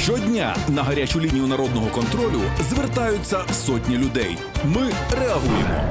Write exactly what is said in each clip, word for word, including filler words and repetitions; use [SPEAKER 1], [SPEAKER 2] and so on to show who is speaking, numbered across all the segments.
[SPEAKER 1] Щодня на гарячу лінію народного контролю звертаються сотні людей. Ми реагуємо.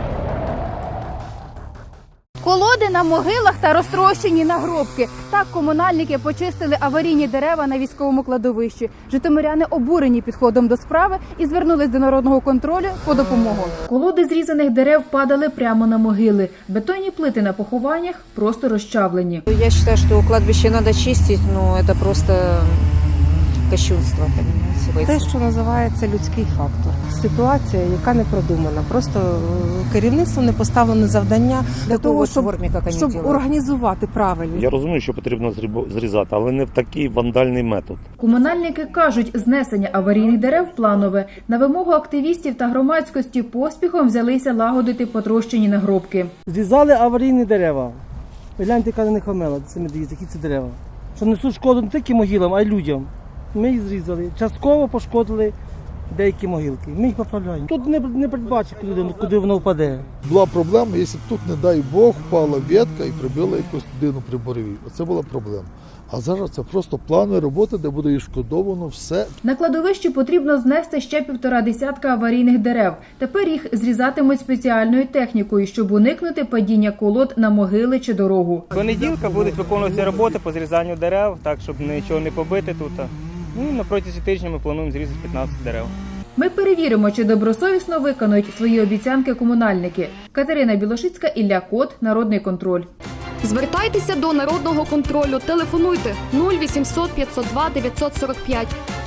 [SPEAKER 2] Колоди на могилах та розтрощені нагробки. Так комунальники почистили аварійні дерева на військовому кладовищі. Житомиряни обурені підходом до справи і звернулись до народного контролю по допомогу. Колоди зрізаних дерев падали прямо на могили. Бетонні плити на похованнях просто розчавлені.
[SPEAKER 3] Я считаю, что кладбище надо чистить, но это просто кощунство, понимаете.
[SPEAKER 4] Те, що називається людський фактор. Ситуація, яка не продумана. Просто керівництво не поставлене завдання для
[SPEAKER 3] Такого
[SPEAKER 4] того, щоб,
[SPEAKER 3] формі, як вони
[SPEAKER 4] щоб
[SPEAKER 3] роблять.
[SPEAKER 4] організувати правильно.
[SPEAKER 5] Я розумію, що потрібно зріб- зрізати, але не в такий вандальний метод.
[SPEAKER 2] Комунальники кажуть, знесення аварійних дерев планове. На вимогу активістів та громадськості поспіхом взялися лагодити потрощені нагробки.
[SPEAKER 6] Зрізали аварійні дерева. Гляньте, яка на них омела, це не дивіться, які це дерева. Що несуть шкоду не тільки могилам, а й людям. Ми їх зрізали. Частково пошкодили деякі могилки. Ми їх поправляємо. Тут не, не передбачить, куди, куди воно впаде.
[SPEAKER 7] Була проблема, якщо б тут, не дай Бог, впала ветка і прибила якусь людину при борові. Оце була проблема. А зараз це просто планові роботи, де буде відшкодовано все.
[SPEAKER 2] На кладовищі потрібно знести ще півтора десятка аварійних дерев. Тепер їх зрізатимуть спеціальною технікою, щоб уникнути падіння колод на могили чи дорогу.
[SPEAKER 8] Понеділка будуть виконуватися роботи по зрізанню дерев, так, щоб нічого не побити тут. Ну і на протязі тижня ми плануємо зрізати п'ятнадцять дерев.
[SPEAKER 2] Ми перевіримо, чи добросовісно виконують свої обіцянки комунальники. Катерина Білошицька, Ілля Кот, Народний контроль.
[SPEAKER 9] Звертайтеся до Народного контролю. Телефонуйте нуль вісімсот п'ятсот два дев'ятсот сорок п'ять.